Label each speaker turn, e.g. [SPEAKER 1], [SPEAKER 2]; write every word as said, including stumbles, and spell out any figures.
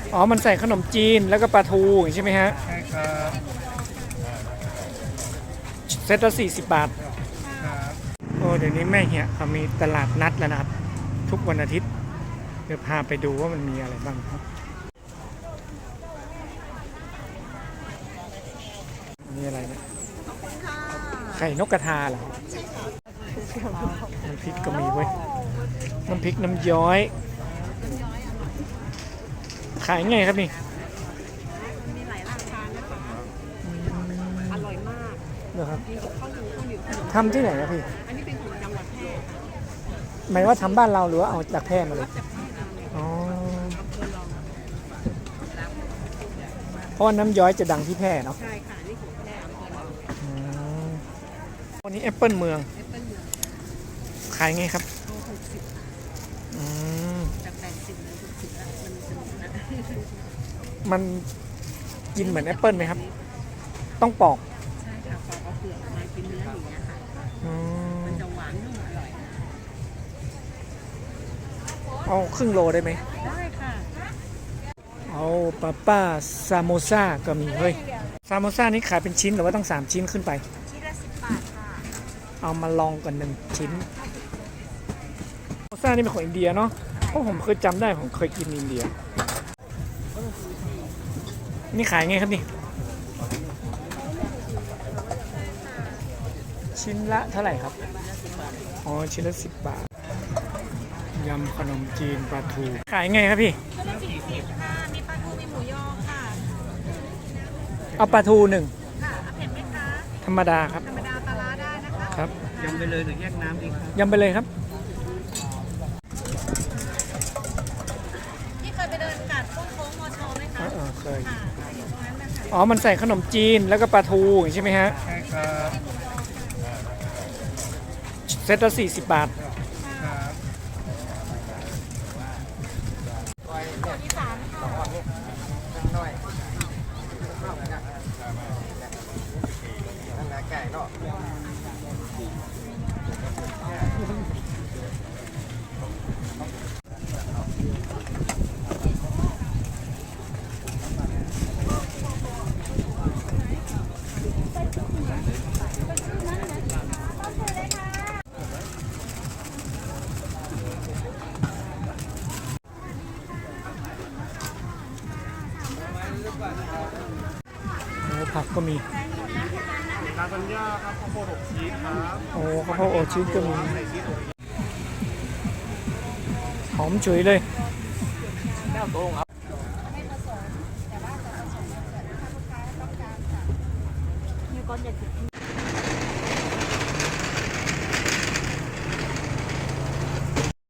[SPEAKER 1] อ๋อมันใส่ขนมจีนแล้วก็ปลาทูใช่ไหมฮะ
[SPEAKER 2] ใช่ครับ
[SPEAKER 1] เซตละสี่สิบบาท
[SPEAKER 2] ครับ
[SPEAKER 1] โอ้เดี๋ยวนี้แม่เหี่ยเขามีตลาดนัดแล้วนะครับทุกวันอาทิตย์เดี๋ยวพาไปดูว่ามันมีอะไรบ้างครับนี่อะไรเนี่ยไข่นกกระทาเหรอน้ำพริกก็มีเว้ยน้ำพริกน้ำย้อยขายไงครับนี่
[SPEAKER 3] มีหลายราคานะคะอร่อยมาก
[SPEAKER 1] เหรอครับ
[SPEAKER 3] มีกับข้าวเหนียวข้าวเหนียวขนม
[SPEAKER 1] ทำที่ไหนครับพี่
[SPEAKER 3] อันนี้เป็นของจังหวัดแพร่ค่ะ
[SPEAKER 1] หมายว่าทำบ้านเราหรือว่าเอาจากแพร่มาเลย
[SPEAKER 3] รับจากแพร่มาเลย
[SPEAKER 1] อ๋อ
[SPEAKER 3] อำเภอรอง
[SPEAKER 1] เพราะว่าน้ำย้อยจะดังที่แพร่เนาะ
[SPEAKER 3] ใช่ค่ะนี่ของแพร่อำเภอรอง
[SPEAKER 1] อืมวันนี้แอปเปิลเมือง
[SPEAKER 3] แอปเปิ้ลเมือง
[SPEAKER 1] ขายไงครับ
[SPEAKER 3] โลหกสิบ
[SPEAKER 1] อืม
[SPEAKER 3] จากแปดสิบเหลือหกสิบแล้วมันสนุกนะ
[SPEAKER 1] มันกินเหมือนแอปเปิลไหมครับต้องปอก
[SPEAKER 3] ใช่ค่ะปอกเอาเปลือกมากินเนื้ออย่างเงี้ยค่ะ
[SPEAKER 1] อืม
[SPEAKER 3] มันจะหวานนุ่มอร่อย
[SPEAKER 1] เอาครึ่งโลได้ไหม
[SPEAKER 3] ได้ค่ะ
[SPEAKER 1] เอาปาป้าซามโมซ่าก็มีเฮ้ยซามโมซ่านี่ขายเป็นชิ้นหรือว่าต้องสามชิ้นขึ้นไป
[SPEAKER 3] ชิ้นละสิบบาทค่ะ
[SPEAKER 1] เอามาลองกันหนึ่งชิ้นซามโมซ่านี่เป็นของอินเดียเนาะเพราะผมเคยจำได้ผมเคยกินอินเดียนี่ขายไงครับนี่ชิ้นละเท่าไหร่ครับอ๋อชิ้นละสิบบาทยำขนมจีนปลาทูขายไงครับพี่
[SPEAKER 3] ชิ้นละสี่สิบค่ะมีปลาทูมีหมูยอค่ะ
[SPEAKER 1] เอาปลาทูหนึ่ง
[SPEAKER 3] ค่ะเอาเผ็ดไหมคะ
[SPEAKER 1] ธรรมดาครับ
[SPEAKER 3] ธรรมดาปลาร้าได้นะคะ
[SPEAKER 1] ครับ
[SPEAKER 2] ยำไปเลยหรือแยกน้ำดีครับ
[SPEAKER 1] ยำไปเลยครับ
[SPEAKER 3] ที่เคยไปเดินกัดโค้งมอชอไหมคะ
[SPEAKER 1] เออเคย
[SPEAKER 3] ค่ะอยู่ตรงนั้นนะคะ
[SPEAKER 1] อ๋อมันใส่ขนมจีนแล้วก็ปลาทูใช่ไหมฮะ
[SPEAKER 2] ใช่ครับ
[SPEAKER 1] เซตละสี่สิบบาท
[SPEAKER 2] ครับ
[SPEAKER 3] อีสาน
[SPEAKER 1] โอ้ผักก็มี
[SPEAKER 2] ลาซานญ่าครับข้าวโพดอบชีสครับ
[SPEAKER 1] โอ้ข้าวโพดอบชีสก็มี
[SPEAKER 2] ใส่ชีสอบ
[SPEAKER 1] หอมฉุยเลย
[SPEAKER 2] แก้วโต้งครับ
[SPEAKER 3] ไม่ผสมแต่ว่าจะผสมถ้าลูกค้าต้องการค่ะมีก้อนใหญ่